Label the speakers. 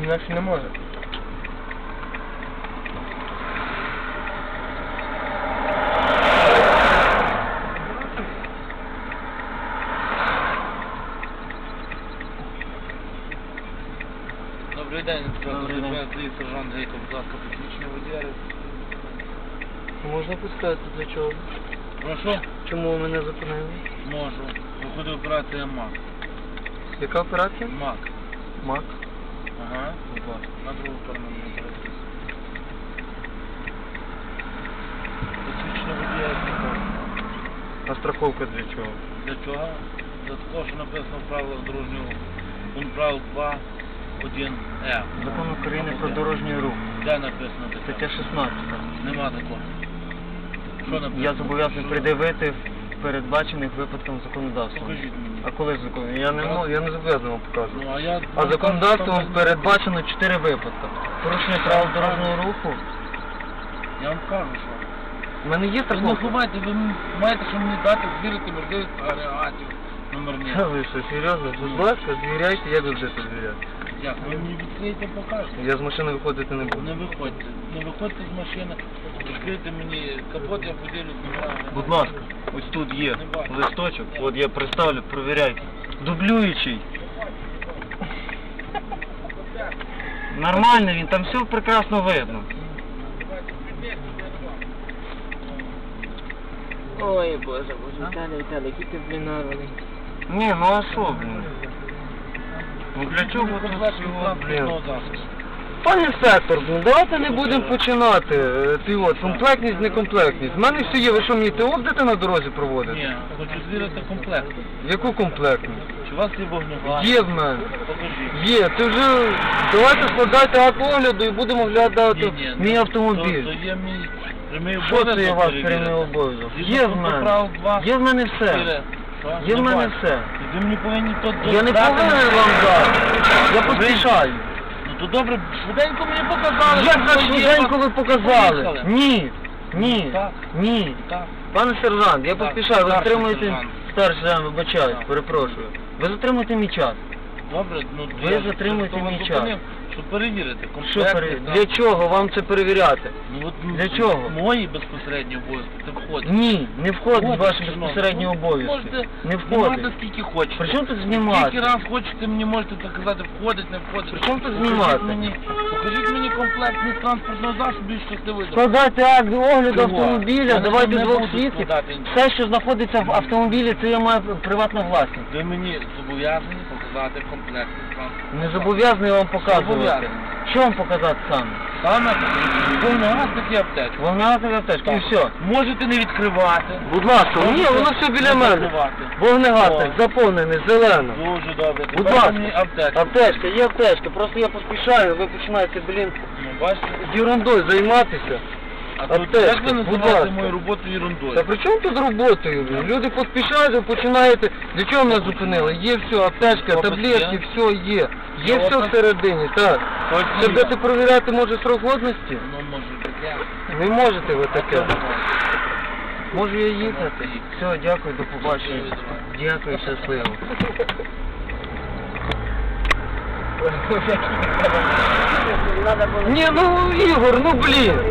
Speaker 1: інакше не може.
Speaker 2: Добрий день, сержант Гейко, будь ласка, посвідчення водія.
Speaker 1: Можна пускати для чого?
Speaker 2: Прошу?
Speaker 1: Чому ви мене зупинили?
Speaker 2: Можу. Виходить операція МАК.
Speaker 1: Яка операція?
Speaker 2: МАК.
Speaker 1: МАК.
Speaker 2: Ага. Будь ласка. На другу сторону не операція. Посвідчення водія страховка.
Speaker 1: А страховка для чого?
Speaker 2: Для чого? Для того, що написано в правилах дорожнього руху. Пункт правил 2.1.Е.
Speaker 1: Закон України про дорожній рух.
Speaker 2: Де написано таке?
Speaker 1: Стаття 16.
Speaker 2: Нема такого. Що написано?
Speaker 1: Я зобов'язаний пред'явити в передбачених випадком законодавством.
Speaker 2: Покажіть мені.
Speaker 1: А коли закон? Я не зобов'язаний вам показувати.
Speaker 2: Ну, а я...
Speaker 1: А законодавством передбачено 4 випадки. Порушення правил дорожнього руху.
Speaker 2: Я вам кажу, що...
Speaker 1: У мене є
Speaker 2: Ви не
Speaker 1: страховка.
Speaker 2: ховайте, ви маєте, що мені дати звірити можливість агрегатів номерних.
Speaker 1: Та ви що, серйозно? Будь ласка, звіряйте, як ви будете звіряти?
Speaker 2: Як? Ви мені відкриєте, покажете.
Speaker 1: Я з машини виходити не буду.
Speaker 2: Не виходьте. Не виходьте з машини, відкрийте мені капот, я поділюсь номерами.
Speaker 1: Будь ласка, ось тут є листочок, от я представлю, провіряйте. Дублюючий. Нормально він, там все прекрасно видно.
Speaker 3: Ой, боже, Віталій, який ти, блін, нарваний.
Speaker 1: Ні, ну а що, блін? Ну для чого тут всього, блін? Пане сектор, ну давайте не будемо починати. Ти от, комплектність, некомплектність. В мене все є, ви що, мені ТО будете на дорозі проводити?
Speaker 2: Ні, хочу звірити комплект.
Speaker 1: Яку комплектність?
Speaker 2: Чи у вас є вогнегас?
Speaker 1: Є в мене.
Speaker 2: Покажіть.
Speaker 1: Є, ти вже... Давайте складайте акт огляду і будемо оглядати
Speaker 2: Ні,
Speaker 1: мій автомобіль.
Speaker 2: То є мій прямий
Speaker 1: Що
Speaker 2: обов'язок
Speaker 1: це є ваш
Speaker 2: перевірити.
Speaker 1: прямий обов'язок?
Speaker 2: Згідно
Speaker 1: Є в
Speaker 2: пункту
Speaker 1: мене.
Speaker 2: правил 2,
Speaker 1: Є в мене все.
Speaker 2: 4. Що?
Speaker 1: Є в
Speaker 2: Не
Speaker 1: мене
Speaker 2: бачу.
Speaker 1: все.
Speaker 2: Ви мені повинні то
Speaker 1: Я не
Speaker 2: дати.
Speaker 1: повинен вам дати. Я поспішаю.
Speaker 2: Ну то добре, швиденько мені показали.
Speaker 1: Як
Speaker 2: що
Speaker 1: так
Speaker 2: є.
Speaker 1: швиденько ви показали?
Speaker 2: Поїхали.
Speaker 1: Ні. Ні.
Speaker 2: Так.
Speaker 1: Ні.
Speaker 2: Так.
Speaker 1: Пане сержант, я
Speaker 2: Так,
Speaker 1: поспішаю, ви
Speaker 2: старший
Speaker 1: затримуєте...
Speaker 2: сержант.
Speaker 1: Старший сержант, вибачаюсь,
Speaker 2: Так.
Speaker 1: перепрошую. Ви затримуєте мій час.
Speaker 2: Добре, ну
Speaker 1: Ви
Speaker 2: я
Speaker 1: затримуєте
Speaker 2: того
Speaker 1: мій час.
Speaker 2: зупинив, щоб перевірити
Speaker 1: Що
Speaker 2: комплектність.
Speaker 1: Для чого вам це перевіряти?
Speaker 2: Ну, от,
Speaker 1: Для чого?
Speaker 2: Мої безпосередні обов'язки це входить.
Speaker 1: Ні, не входить в
Speaker 2: Входить,
Speaker 1: ваші
Speaker 2: шановний.
Speaker 1: безпосередні
Speaker 2: Ну,
Speaker 1: обов'язки.
Speaker 2: Можете
Speaker 1: Не
Speaker 2: знімати
Speaker 1: входить.
Speaker 2: скільки хочете.
Speaker 1: При чому тут знімати?
Speaker 2: Скільки раз хочете, мені можете так казати, входить, не входить.
Speaker 1: При чому тут
Speaker 2: Покажіть
Speaker 1: знімати?
Speaker 2: Покажіть мені комплектність транспортного засобу і щасливий дорог.
Speaker 1: Складайте акт огляду
Speaker 2: Чого?
Speaker 1: автомобіля,
Speaker 2: Я
Speaker 1: давайте
Speaker 2: не
Speaker 1: двох
Speaker 2: буду
Speaker 1: свідків.
Speaker 2: складати.
Speaker 1: Все, що знаходиться в автомобілі, це є моя приватна власність.
Speaker 2: Ви мені зобов'язані показати комплектність транспортного
Speaker 1: Не зобов'язаний вам показувати.
Speaker 2: Зобов'язаний.
Speaker 1: Що вам показати саме?
Speaker 2: Саме вогнегас такі аптечки.
Speaker 1: Вогнегасова аптечка і все.
Speaker 2: Можете не відкривати.
Speaker 1: Будь ласка, ні,
Speaker 2: Можете
Speaker 1: воно все біля
Speaker 2: не
Speaker 1: мене.
Speaker 2: закривати.
Speaker 1: Вогнегасник,
Speaker 2: О.
Speaker 1: заповнений, зелено.
Speaker 2: Дуже добре.
Speaker 1: Будь
Speaker 2: Тепер
Speaker 1: ласка,
Speaker 2: мені аптечку.
Speaker 1: аптечка, є аптечка, просто я поспішаю, ви починаєте, блін,
Speaker 2: Ну, бачите?
Speaker 1: з ерундою займатися.
Speaker 2: А тут
Speaker 1: Аптечка,
Speaker 2: як ви
Speaker 1: будь
Speaker 2: називаєте
Speaker 1: ласка.
Speaker 2: мою роботу ерундою?
Speaker 1: Та при чому тут роботою? блін? Люди поспішають, ви починаєте. Для чого мене зупинили? Є все, аптечка,
Speaker 2: Опис
Speaker 1: таблетки,
Speaker 2: є?
Speaker 1: все є. Є все
Speaker 2: Опис?
Speaker 1: всередині, так.
Speaker 2: Точно
Speaker 1: Це
Speaker 2: є.
Speaker 1: будете перевіряти, може, срок годності?
Speaker 2: Ну, може таке.
Speaker 1: Не можете ви таке.
Speaker 2: Таке.
Speaker 1: Можу я їхати? Все, дякую, до побачення. Дякую, щасливо. Ні, ну Ігор, ну блін.